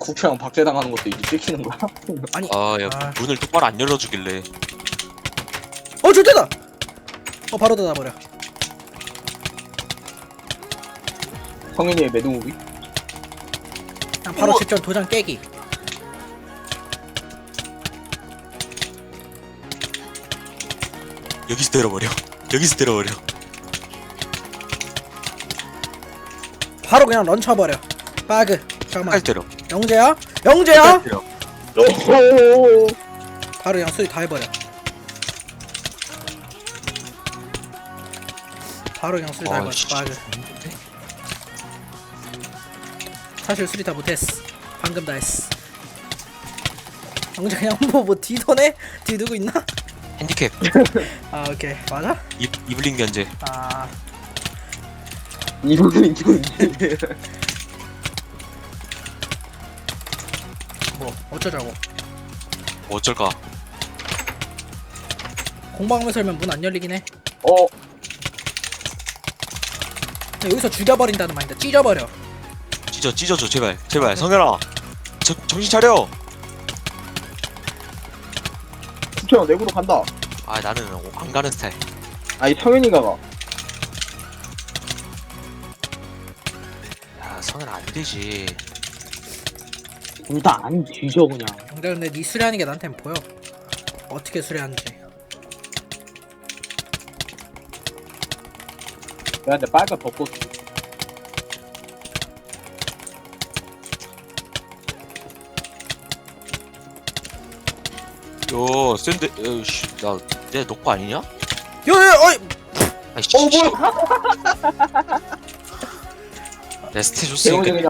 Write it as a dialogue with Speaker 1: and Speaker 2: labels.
Speaker 1: 국회랑 박제당하는 것도 이제 찍히는 거야?
Speaker 2: 아니
Speaker 3: 아야 문을 똑바로 안 열어주길래.
Speaker 2: 좋대다. 바로 닫아버려.
Speaker 1: 성현이의 매드무비?
Speaker 2: 그냥 바로 직전 도장 깨기.
Speaker 3: 여기서 때려버려. 여기서 때려버려.
Speaker 2: 바로 그냥 런쳐버려. 바그. 잠깐만.
Speaker 3: 끝까지 때려.
Speaker 2: 영재야? 영재야?
Speaker 3: 끝까지 때려.
Speaker 1: 오호호호.
Speaker 2: 바로 그냥 수리 다 해버려. 바로 그냥 수리 다 해버려.
Speaker 3: 씨.
Speaker 2: 바그. 사실 수리 다 못했어. 방금 다 했어. 영재 그냥 뭐 뒤도네? 뒤 누구 있나?
Speaker 3: 핸디캡.
Speaker 2: 아 오케이 맞아?
Speaker 3: 이블린 견제.
Speaker 2: 아
Speaker 1: 이분은 지금
Speaker 2: 뭐 어쩌자고.
Speaker 3: 뭐 어쩔까?
Speaker 2: 공방하면서 열면 문 안 열리긴 해.
Speaker 1: 어
Speaker 2: 근데 여기서 죽여버린다는 말인데 찢어버려.
Speaker 3: 찢어줘 제발. 제발 성현아. 정신 차려.
Speaker 1: 국회랑 내구로 간다.
Speaker 3: 아 나는 안 가는 스타일.
Speaker 1: 아니 성현이가 가.
Speaker 3: 야 성현아 안 되지.
Speaker 1: 둘 다 안 뒤져 그냥.
Speaker 2: 근데 네 수리하는 게 나한텐 보여. 어떻게 수리하는지.
Speaker 1: 내가 근데 빨간 벚꽃
Speaker 3: 요 샌드 나내 녹화 아니냐?
Speaker 2: 야야 어이.
Speaker 3: 아이씨.
Speaker 1: 뭐야?
Speaker 3: 내 스탯 줬으니까
Speaker 1: 대원이